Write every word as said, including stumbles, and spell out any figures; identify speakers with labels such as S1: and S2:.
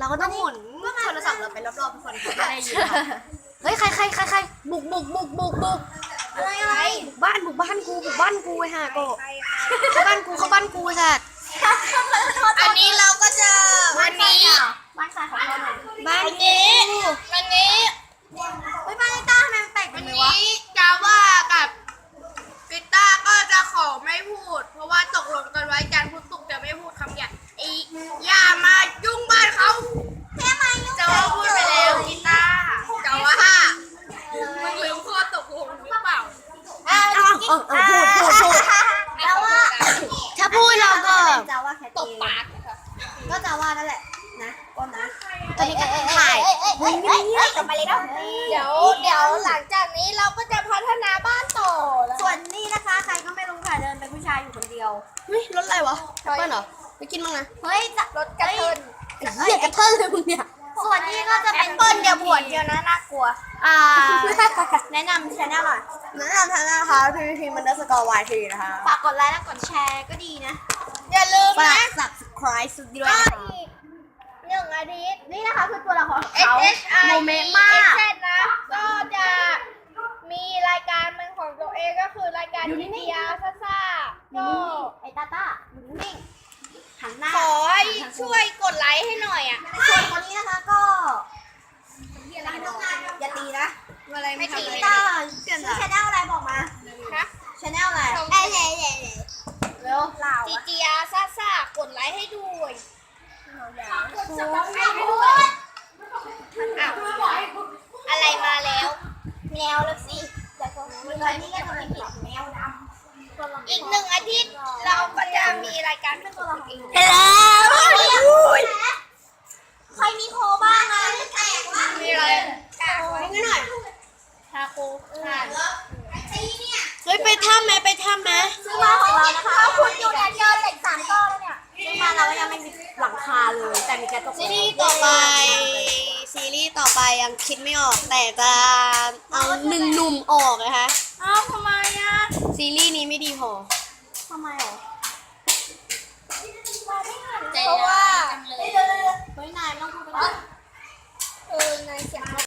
S1: เราก็ต้องหมุนโทรศัพท์เราไปรอบๆทุกคนเขาจะได้ยินเฮ้ยใครใครใครใครบุกบุกบุกบุกบุกอะไรอะไรบุกบ้านบุกบ้านกูบุกบ้านกูไอ้ห่าโกเข้าบ้านกูเข้าบ้านกูสัตว์
S2: อันนี้เราก็จะวันนี้
S1: บ้านใครของเราหน่อยบ้าน
S2: วันนี้วันนี้
S1: เฮ้ยบ้านไอ้ต้าทำไมมันแปลกจั
S2: วัน
S1: งเลยวะ
S2: นี้จาว่ากับกีตาร์ก็จะขอไม่พูด เพราะว่าตกลงกันไว้จันทร์พุธศุกร์จะไม่พูดคำหยาบอีอย่ามายุ่งบ้านเขาแค่มายุ่งจะว่าพูดไปแล้วกีตาร์จะว่ามึงลืมข้อตกลงหรือเปล่า
S1: เออเออเออพูดพูดพูดแล้วว่าถ้าพูดเราก็จะว่าแค่
S2: ตบปาก
S1: ก็จะว่านั่นแหละนะก้มนะตอนนี้ก็ถ่ายเฮ้ยเฮ้ยเฮ้ยกลับมาเลยเนาะ
S2: เดี๋ยวเดี๋ยวหลังจากนี้เราก็จะพัฒนาบ้านต่อ
S1: ส่วนนี่นะคะใครก็ไม่รู้ค่ะเดินเป็นผู้ชายอยู่คนเดียวเฮ้ยรถอะไรวะแอปเปิ้ลเหรอไปกินมั้งนะเฮ้ย
S2: รถกระเทิน
S1: ไอ้เหี้ยกระเทินเลยมึงเนี่ยส่วนนี้ก็จะเป็น
S2: เปิ้ลเดี๋ยวบวชเดียวนะน่ากลัว
S1: อ่าแนะนำชาแนลหน่อยแนะนำชาแนลนะคะพีพีพีมันเดอร์สกอร์วายทีนะคะฝากกดไลค์และกดแชร์ก็ดีนะ
S2: อย่าลืม
S1: ฝา
S2: นะ
S1: ก subscribe สุดด้วย
S2: ก็
S1: นะคะ
S2: อีกหนึ่งอาทิตย์
S1: นี่นะคะคือตัวละครของ
S2: เอส
S1: เขา
S2: เอสไอ
S1: โมเมนต์มาก
S2: เอสนะก็จะมีรายการเป็นของตัวเองก็คือรายการ
S1: อยู่
S2: ดี
S1: นิ่งๆ
S2: เดียซ่าซ่าก็
S1: ไอ้ตาตาอยู่นิ่งๆหันหน้า
S2: ขอให้ช่วยกดไลค์ให้หน่อยอ่ะ
S1: ส่วนคนนี้นะคะก็อย่าตีนะ
S2: อะไรไม่ตี
S1: ตาชื่อชาแนลอะไรบอกมา
S2: นะ
S1: ชาแนลอะไร
S2: เอ้ย
S1: เร็วเปล่า
S2: ดีเดียซ่าซ่ากดไลค์ให้ด้วยกด
S1: โอ้
S2: สับสไครต์ให้ด้วยอ้าวอะไรมาแล้ว
S1: แมวแล้วสิแต่คนนี้ก็จะเป็นแมวดำ
S2: อีกหนึ่งอาทิตย์เราก็จะมีรายการเป็นตัวเราเอง
S1: เฮ้ยใครมีโคบ้างอ่ะ
S2: มีอะไรกากไว้
S1: ให้หน่อย
S2: ทาโคผ่าน
S1: เฮ้ยไปถ้ำไหมไปถ้ำไหมซื้อมาของเรานะคะเขาคุณอยู่เนี่ยเจอเหล็กสามก้อนแล้วเนี่ยซื้อมาเรายังไม่มีหลังคาเลยแต่มีกระจกซีรีส์ต่อไปซีรีส์ต่อไปยังคิดไม่ออกแต่จะเอาหนึ่งหนุ่มออกนะคะ
S2: อ้าวทำไมอ่ะ
S1: ซีรีส์นี้ไม่ดีพอทำไมหรอ
S2: เพราะว่า
S1: เฮ้ยนายไม่ต้องพูดไป
S2: เออในเสียง